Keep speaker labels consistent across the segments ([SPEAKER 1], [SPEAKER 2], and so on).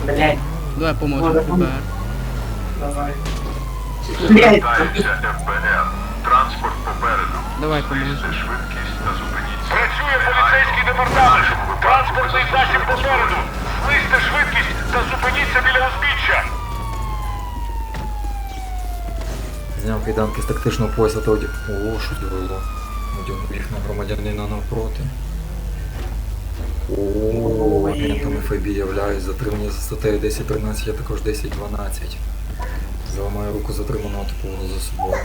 [SPEAKER 1] Блять,
[SPEAKER 2] Давай поможемо
[SPEAKER 1] Може,
[SPEAKER 2] ФБР.
[SPEAKER 1] давай. Блять,
[SPEAKER 3] Звертається ФБР. Транспорт попереду.
[SPEAKER 2] Давай поможемо.
[SPEAKER 3] Знизьте швидкість та зупиніться.
[SPEAKER 4] Працює поліцейський департамент. Транспортний засіб попереду. Знизьте швидкість та зупиніться біля узбіччя.
[SPEAKER 5] Зняв кайданки з тактичного пояса та одяг. О, що це було? Одягнув їх на громадянина навпроти. О, агентами ФБІ являюсь. Затримання за статтею 10.13, а також 10.12. Заламаю руку затриманого типового за собою.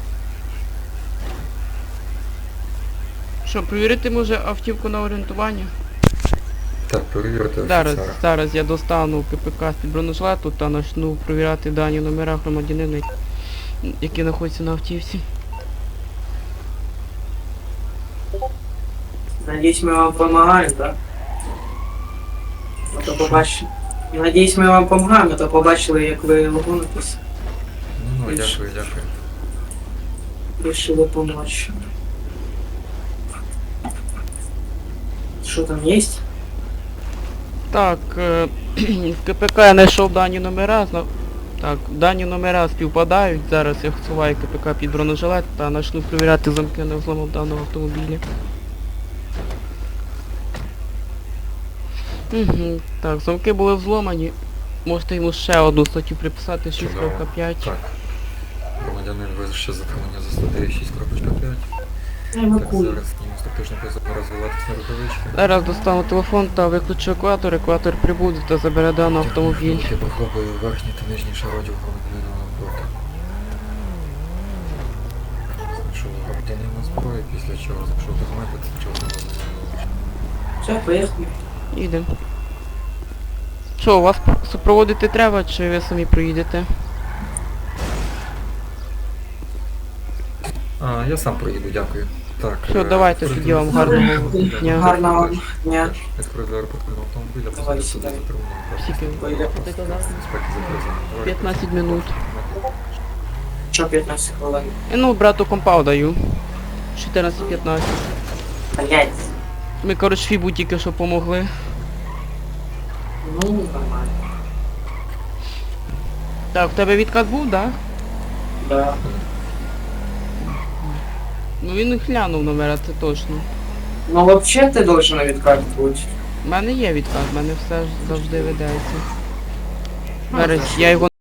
[SPEAKER 2] Що, перевірити може автівку на орієнтування?
[SPEAKER 5] Так, перевірте
[SPEAKER 2] Зараз,
[SPEAKER 5] офіцера.
[SPEAKER 2] зараз я достану КПК з-під бронежилету та почну перевіряти дані номера громадянина, які знаходяться на автівці.
[SPEAKER 1] надеюсь, мы вам помогаем, да? А то побачили. Надіюсь, ми вам помагаємо, а то побачили, як ви логонитесь.
[SPEAKER 5] Ну, дякую, дякую.
[SPEAKER 1] Решили помочь. Что там есть?
[SPEAKER 2] Так, в КПК я знайшов дані номера. Так, дані номера співпадають. Зараз я ховаю КПК під бронежилет та почну перевіряти замки на взлому даного автомобіля. Угу. Так, замки були взломані. Можете йому ще одну статтю приписати, 6.5.
[SPEAKER 5] Так. Громадянин визначив затримання за статтею 6.5. Так,
[SPEAKER 1] Евакуй.
[SPEAKER 5] зараз зніму з тактичного пояса розвиватися на рукавички.
[SPEAKER 2] Зараз достану телефон та виключу екватор. Екватор прибуде та забере даний автомобіль.
[SPEAKER 5] Я похлопаю верхній та нижній шародів громадянина навпроти. Знайшов громадянина зброю, після чого знайшов документи, після чого громадянина.
[SPEAKER 1] Все, поехали.
[SPEAKER 2] Їдемо. Що, вас супроводити треба, чи ви самі проїдете?
[SPEAKER 5] А, я сам проїду, дякую. Так.
[SPEAKER 2] Що, давайте тоді вам гарного дня.
[SPEAKER 1] Гарного дня.
[SPEAKER 5] Експрес до аеропортного автомобіля,
[SPEAKER 1] Давай
[SPEAKER 5] посадити
[SPEAKER 1] сюди.
[SPEAKER 5] затримання.
[SPEAKER 2] Скільки?
[SPEAKER 1] Пойде.
[SPEAKER 2] Ти казав?
[SPEAKER 5] Безпеки закризано.
[SPEAKER 2] 15 минут.
[SPEAKER 1] Що 15 хвилин?
[SPEAKER 2] Ну, брату компау даю. 14-15.
[SPEAKER 1] Блять.
[SPEAKER 2] Ми, коротше, Фібу тільки що помогли.
[SPEAKER 1] Ну, нормально.
[SPEAKER 2] Так, в тебе відкат був, да?
[SPEAKER 1] Да.
[SPEAKER 2] Ну він і глянув номера, це точно.
[SPEAKER 1] Ну, вообще ти должен відкат бути.
[SPEAKER 2] У мене є відкат, в мене все ж завжди ведеться. Зараз я його